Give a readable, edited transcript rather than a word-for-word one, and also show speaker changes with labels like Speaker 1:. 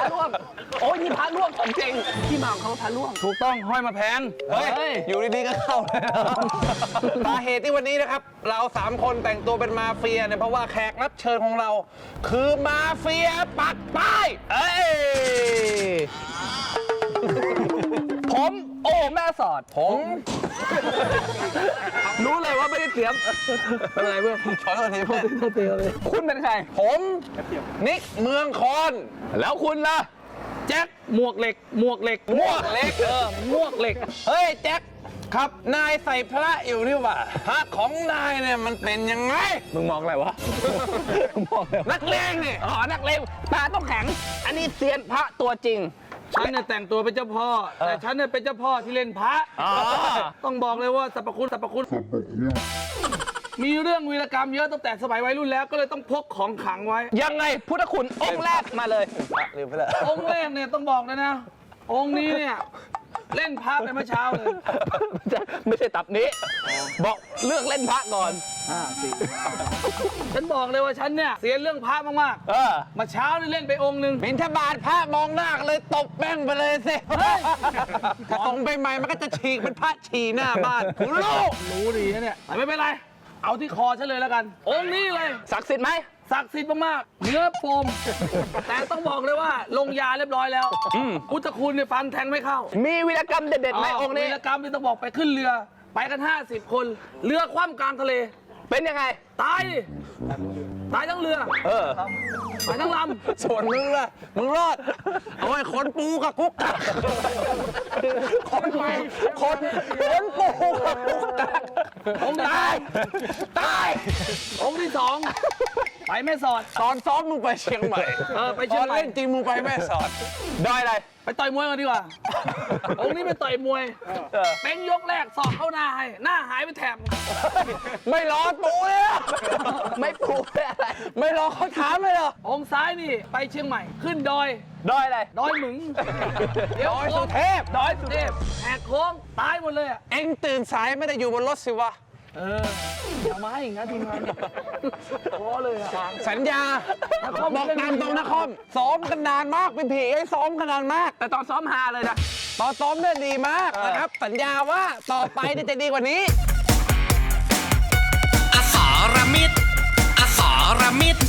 Speaker 1: ร่วงโอ้ยนี่พระร่วงของจริงที่มาของเขาพระร่วง
Speaker 2: ถูกต้องห้อยมาแพน
Speaker 3: เฮ้ยอยู่ดีๆก็เข้าเลยสาเหตุที่วันนี้นะครับเรา3คนแต่งตัวเป็นมาเฟียเนี่ยเพราะว่าแขกรับเชิญของเรา คือมาเฟียปักป้ายเอ้ย
Speaker 1: ผมโอ้แม่สอด
Speaker 3: ผม
Speaker 1: รู้เลยว่าไม่ได้เตรียมเป็นไรเพื่อน
Speaker 3: ขอโทษทีเพื่อน
Speaker 1: คุณเป็นใคร
Speaker 3: ผมนิกเมืองคอน
Speaker 1: แล้วคุณล่ะ
Speaker 2: แจ็คหมวกเหล็กหมวกเหล็ก
Speaker 3: มวกเล็ก
Speaker 2: หมวกเหล็ก
Speaker 3: เฮ้ยแจ็คครับนายใส่พระอยู่นี่หว่าพระของนายเนี่ยมันเป็นยังไง
Speaker 1: มึงมองอะไรวะมึงมองอะไรวะ
Speaker 3: นักเลงเนี่ย
Speaker 1: อ๋อนักเลงตาต้องแข็ง อันนี้เซียนพระตัวจริง
Speaker 2: ฉันเนี่ยแต่งตัวเป็นเจ้าพ่อ แต่ฉันเนี่ยเป็นเจ้าพ่อที่เล่นพระ
Speaker 1: อ๋อ
Speaker 2: ต้องบอกเลยว่าสรรพคุณมีเรื่องวีรกรรมเยอะตั้งแต่สมัยวัยรุ่นแล้วก็เลยต้องพกของขลังไว้
Speaker 1: ยังไงพุทธคุณองค์แรกมาเลย
Speaker 3: ลืมไปแล้ว
Speaker 2: องค์แรกเนี่ยต้องบอกเลยนะ องค์นี้เนี่ยเล่นพระไปเมื่อเช้าเลย
Speaker 1: ไม่ใช่ตับนี้ บอกเลือกเล่นพระก่อน
Speaker 2: ฉันบอกเลยว่าฉันเนี่ยเสียเรื่องพระมาก
Speaker 1: เออ
Speaker 2: ๆมาเช้านี่เล่นไปองค์หนึ่ง
Speaker 3: บิณฑบาตพระมองหน้ากันเลยตบแป้งไปเลยสิถ้าตรงไปใหม่มันก็จะฉีกเป็นพระฉี่หน้าบ้านคุณลูก
Speaker 2: รู้ดีนะเนี่ยแต่ไม่เป็นไร เอาที่คอฉันเลยแล้วกัน องค์นี้เลย
Speaker 1: ศักดิ์สิทธิ์ไหม
Speaker 2: ศักดิ์สิทธิ์มากๆเนื้อโฟม แต่ต้องบอกเลยว่าลงยาเรียบร้อยแล้วพุทธคุณเนี่ยฟันแทงไม่เข้า
Speaker 1: มีวีรกรรมเด็ดๆไหมองค์นี้
Speaker 2: วีรกรรมที่ต้องบอกไปขึ้นเรือ ไปกัน 50 คน เรือคว่ำกลางทะเล
Speaker 1: เป็นยังไง
Speaker 2: ตายดิตายทั้งเรือ
Speaker 1: เออ
Speaker 2: ตายทั้งล
Speaker 3: ส่วนมึงล่ะมึงรอด เอาไว้คนปูกับกุ๊กกักคนปูกับกุ๊กกัก
Speaker 2: ำองค์ตาย
Speaker 3: ตาย
Speaker 2: องค์ที่สองไปแม่สอด
Speaker 3: ตอนซ้อมมึงไปเชียงใหม่
Speaker 2: ไปเชียงใหม่
Speaker 3: ตอนเล่นจริงมึงไปแม่สอด
Speaker 1: ดอยอะไร
Speaker 2: ไปต่อยมวยกันดีกว่า องค์นี้ไปต่อยมวยเป็นยกแรกสอกเข้าหน้าให้ หน้าหายไปแถบ
Speaker 3: ไม่รอปูเลยอะ
Speaker 1: ไม่ปลูกอะไร
Speaker 3: ไม่รอเขาถามเลยเหรอ
Speaker 2: องค์ซ้ายนี่ไปเชียงใหม่ ขึ้นดอย
Speaker 1: ดอยอะไร
Speaker 2: ดอยหมึง
Speaker 3: ดอยสุเทพ
Speaker 2: ดอยสุเทพแหกโค้งตายหมดเลยอ่ะ
Speaker 3: เอ็งตื่นสายไม่ได้อยู่บนรถสิวะ
Speaker 2: อย่ามาให้อย่างนั้นทีมงานพอเลยอ่ะ
Speaker 3: สัญญา บอกตามตรงนะคอมซ้อมกันนานมากเป็นผีไอ้ซ้อมกันนานมาก
Speaker 1: แต่ตอนซ้อมฮาเลยนะ
Speaker 3: ตอนซ้อมเนี่ยดีมากนะครับ สัญญาว่าต่อไปเนี่ยจะดีกว่านี้
Speaker 4: อสรมิตรอสรมิตร